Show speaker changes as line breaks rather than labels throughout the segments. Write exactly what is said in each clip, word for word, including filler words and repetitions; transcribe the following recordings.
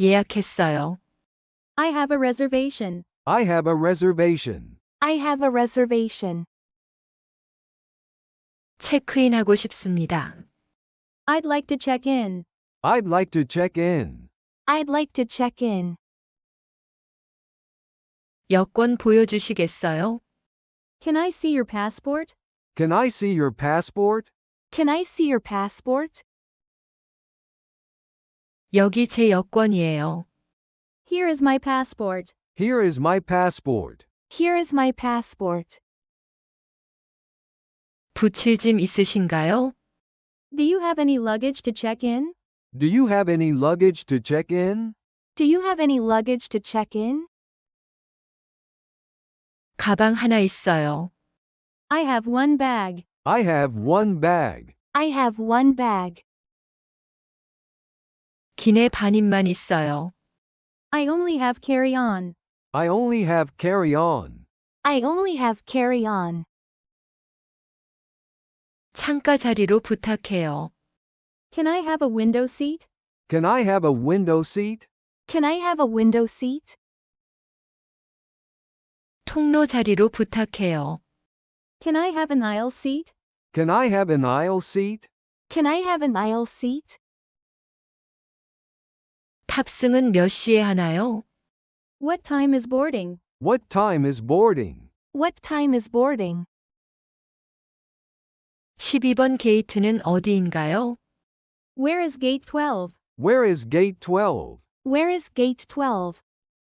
예약했어요.
I have a reservation.
I have a reservation.
I have a reservation.
체크인하고 싶습니다.
I'd like to check in.
I'd like to check in.
I'd like to check in.
여권 보여주시겠어요?
Can I see your passport?
Can I see your passport?
Can I see your passport?
여기 제 여권이에요.
Here is my passport.
Here is my passport.
Here is my passport.
붙일 짐 있으신가요?
Do you have any luggage to check in?
Do you have any luggage to check in?
Do you have any luggage to check in?
가방 하나 있어요.
I have one bag.
I have one bag.
I have one bag.
기내 반입만 있어요.
I only have carry-on.
I only have carry-on.
I only have carry-on.
창가 자리로 부탁해요.
Can I have a window seat?
Can I have a window seat?
Can I have a window seat?
통로 자리로 부탁해요.
Can I have an aisle seat?
Can I have an aisle seat?
Can I have an aisle seat?
탑승은 몇 시에 하나요?
What time is boarding?
What time is boarding?
What time is boarding?
십이 번 게이트는 어디인가요?
Where is gate twelve?
Where is gate twelve?
Where is gate twelve?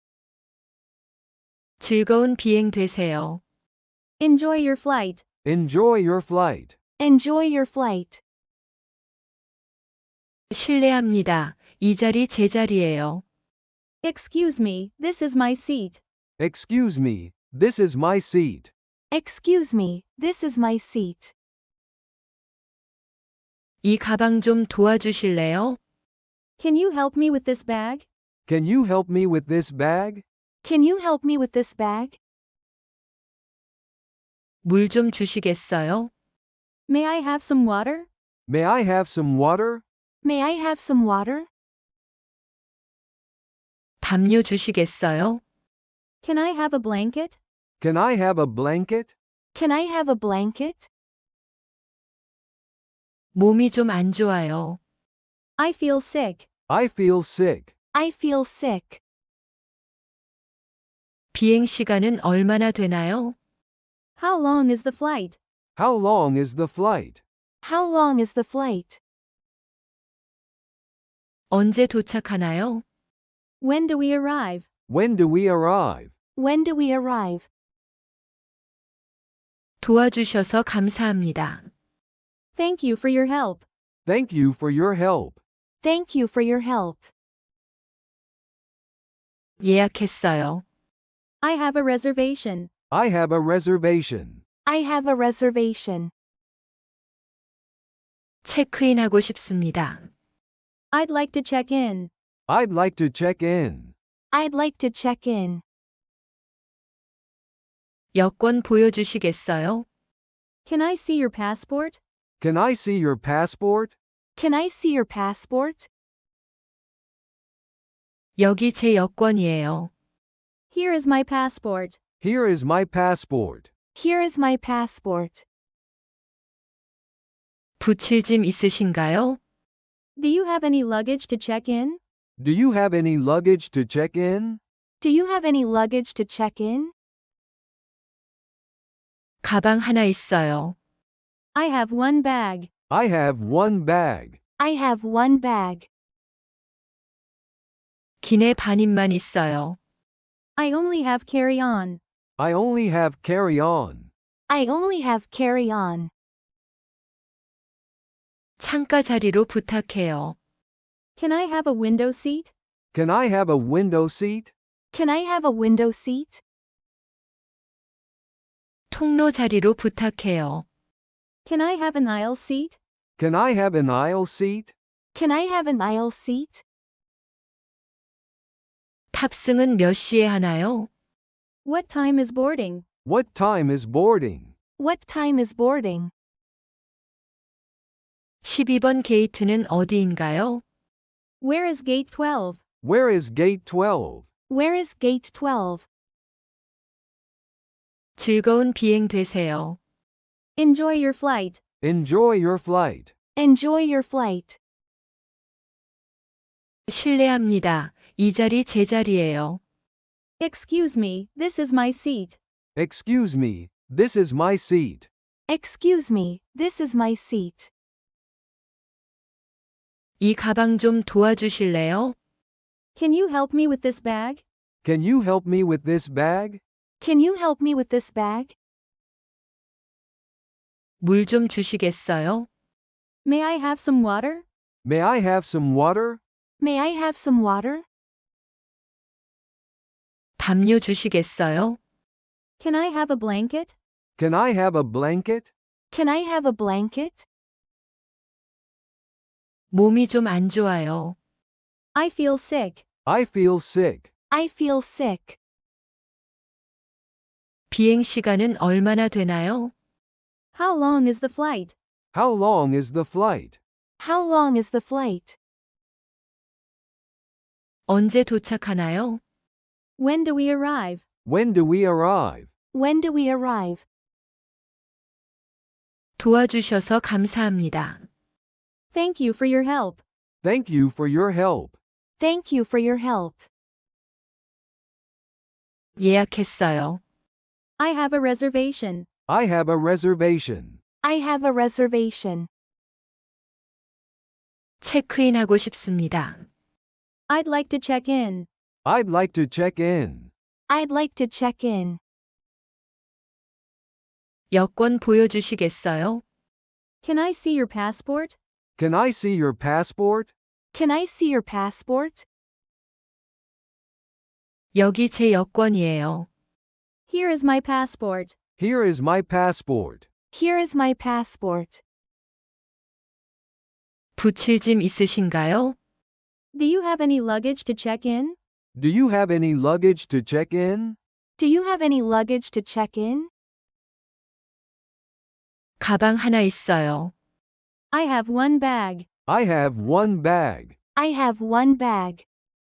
즐거운 비행 되세요.
Enjoy your flight.
Enjoy your flight.
Enjoy your flight.
실례합니다. 이 자리 제 자리예요.
Excuse me, this is my seat.
Excuse me, this is my seat.
Excuse me, this is my seat.
이 가방 좀 도와주실래요?
Can you help me with this bag?
Can you help me with this bag?
Can you help me with this bag?
물 좀 주시겠어요?
May I have some water?
May I have some water?
May I have some water?
담요 주시겠어요?
Can I have a blanket?
Can I have a blanket?
Can I have a blanket?
몸이 좀 안 좋아요.
I feel sick.
I feel sick.
I feel sick.
비행 시간은 얼마나 되나요?
How long is the flight?
How long is the flight?
How long is the flight?
언제 도착하나요?
When do we arrive?
When do we arrive?
When do we arrive?
도와주셔서 감사합니다.
Thank you for your help.
Thank you for your help.
Thank you for your help.
예약했어요.
I have a reservation.
I have a reservation.
I have a reservation.
체크인하고 싶습니다.
I'd like to check in.
I'd like to check in.
I'd like to check in.
여권 보여주시겠어요?
Can I see your passport?
Can I see your passport?
Can I see your passport?
여기 제 여권이에요.
Here is my passport.
Here is my passport.
Here is my passport.
붙일 짐 있으신가요?
Do you have any luggage to check in?
Do you have any luggage to check in?
Do you have any luggage to check in?
가방 하나 있어요.
I have one bag.
I have one bag.
I have one bag.
기내 반입만 있어요.
I only have carry-on.
I only have carry-on.
I only have carry-on.
창가 자리로 부탁해요.
Can I have a window seat?
Can I have a window seat?
Can I have a window seat?
통로 자리로 부탁해요.
Can I have an aisle seat?
Can I have an aisle seat?
Can I have an aisle seat?
탑승은 몇 시에 하나요?
What time is boarding?
What time is boarding?
What time is boarding?
십이 번 게이트는 어디인가요?
Where is gate twelve?
Where is gate twelve?
Where is gate twelve?
즐거운 비행 되세요.
Enjoy your flight.
Enjoy your flight.
Enjoy your flight.
실례합니다. 이 자리 제 자리예요.
Excuse me, this is my seat.
Excuse me, this is my seat.
Excuse me, this is my seat.
이 가방 좀 도와주실래요?
Can you help me with this bag?
Can you help me with this bag?
Can you help me with this bag?
물 좀 주시겠어요?
May I have some water?
May I have some water?
May I have some water?
담요 주시겠어요?
Can I have a blanket?
Can I have a blanket?
Can I have a blanket?
몸이 좀 안 좋아요.
I feel sick.
I feel sick.
I feel sick.
비행 시간은 얼마나 되나요?
How long is the flight?
How long is the flight?
How long is the flight?
언제 도착하나요?
When do we arrive?
When do we arrive?
When do we arrive?
도와주셔서 감사합니다.
Thank you for your help.
Thank you for your help.
Thank you for your help.
예약했어요.
I have a reservation.
I have a reservation.
I have a reservation.
체크인하고 싶습니다.
I'd like to check in.
I'd like to check in.
I'd like to check in.
여권 보여주시겠어요?
Can I see your passport?
Can I see your passport?
Can I see your passport?
여기 제 여권이에요.
Here is my passport.
Here is my passport.
Here is my passport.
붙일 짐 있으신가요?
Do you have any luggage to check in?
Do you have any luggage to check in?
Do you have any luggage to check in?
가방 하나 있어요.
I have one bag.
I have one bag.
I have one bag.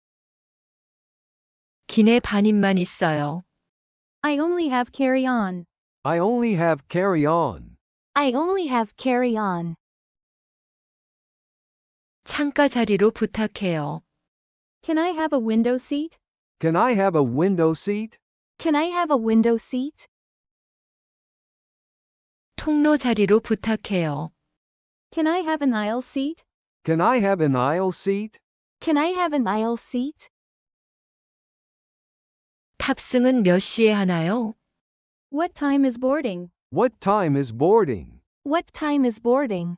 기내 반입만 있어요.
I only have carry-on.
I only have carry-on.
I only have carry-on.
창가 자리로 부탁해요.
Can I have a window seat?
Can I have a window seat?
Can I have a window seat?
통로 자리로 부탁해요.
Can I have an aisle seat?
Can I have an aisle seat?
Can I have an aisle seat?
탑승은 몇 시에 하나요?
What time is boarding?
What time is boarding?
What time is boarding?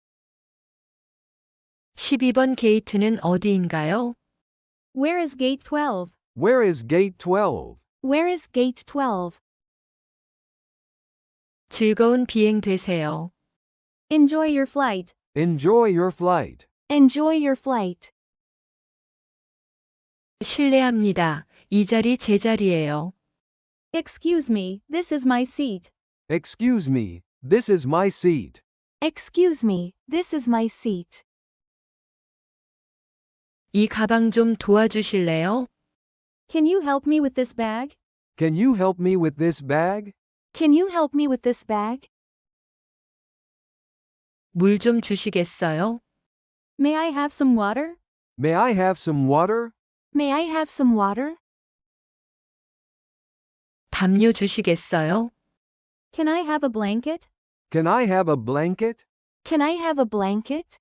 십이 번 게이트는 어디인가요?
Where is gate twelve?
Where is gate twelve?
Where is gate twelve?
즐거운 비행 되세요.
Enjoy your flight.
Enjoy your flight.
Enjoy your flight.
실례합니다. 이 자리 제 자리예요.
Excuse me, this is my seat.
Excuse me, this is my seat.
Excuse me, this is my seat.
이 가방 좀 도와주실래요?
Can you help me with this bag?
Can you help me with this bag?
Can you help me with this bag?
물 좀 주시겠어요?
May I have some water?
May I have some water?
May I have some water?
담요 주시겠어요?
Can I have a blanket?
Can I have a blanket?
Can I have a blanket?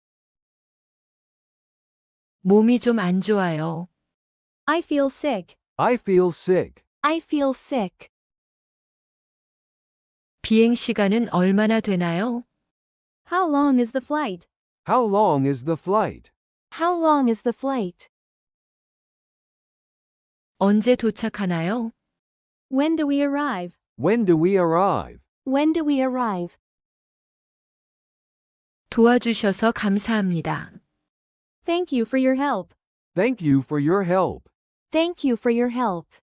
몸이 좀 안 좋아요.
I feel sick.
I feel sick.
I feel sick.
비행 시간은 얼마나 되나요?
How long is the flight?
How long is the flight?
How long is the flight?
언제 도착하나요?
When do we arrive?
When do we arrive?
When do we arrive?
도와주셔서 감사합니다.
Thank you for your help.
Thank you for your help.
Thank you for your help.